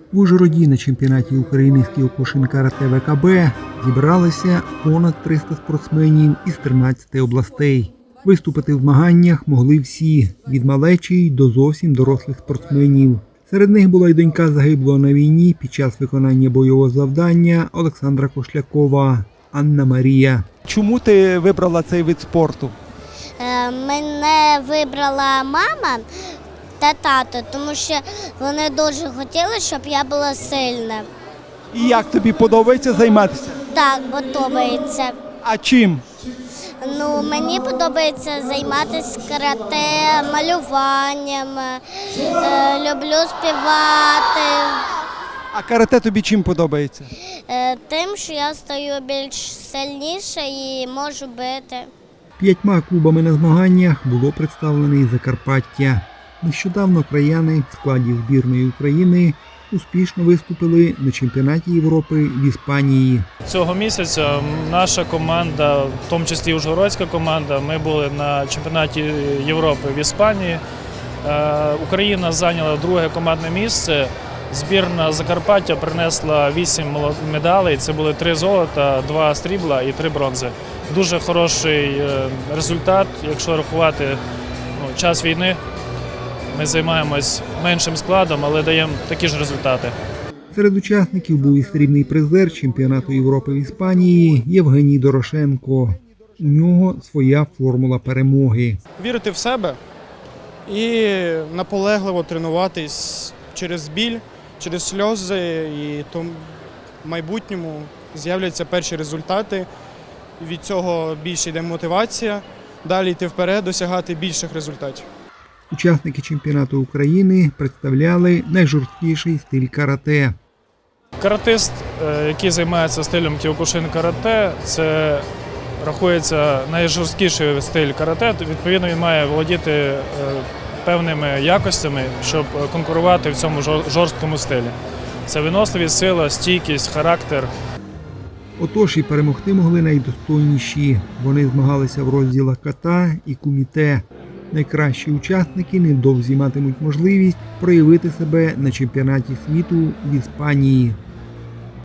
В Ужгороді на чемпіонаті України з кіокушин карате ВКБ зібралися понад 300 спортсменів із 13 областей. Виступити в змаганнях могли всі – від малечі до зовсім дорослих спортсменів. Серед них була й донька загиблого на війні під час виконання бойового завдання Олександра Кошлякова – Анна Марія. Чому ти вибрала цей вид спорту? Мене вибрала мама та тато, тому що вони дуже хотіли, щоб я була сильна. І як тобі подобається займатися? Так, подобається. А чим? Мені подобається займатися карате, малюванням, люблю співати. А карате тобі чим подобається? Тим, що я стаю більш сильніша і можу бити. 5 клубами на змаганнях було представлено і Закарпаття. Нещодавно краяни в складі збірної України успішно виступили на чемпіонаті Європи в Іспанії. Цього місяця наша команда, в тому числі ужгородська команда, ми були на чемпіонаті Європи в Іспанії. Україна зайняла друге командне місце. Збірна Закарпаття принесла 8 медалей. Це були 3 золота, 2 срібла і 3 бронзи. Дуже хороший результат, якщо рахувати час війни. Ми займаємось меншим складом, але даємо такі ж результати. Серед учасників був і срібний призер чемпіонату Європи в Іспанії Євгеній Дорошенко. У нього своя формула перемоги. Вірити в себе і наполегливо тренуватись через біль, через сльози, і то в майбутньому з'являться перші результати. Від цього більше йде мотивація, далі йти вперед, досягати більших результатів. Учасники чемпіонату України представляли найжорсткіший стиль карате. Каратист, який займається стилем кіокушин карате, це рахується найжорсткіший стиль карате. Відповідно, він має володіти певними якостями, щоб конкурувати в цьому жорсткому стилі. Це виносливість, сила, стійкість, характер. Отож і перемогти могли найдостойніші. Вони змагалися в розділах ката і куміте. Найкращі учасники невдовзі матимуть можливість проявити себе на чемпіонаті світу в Іспанії.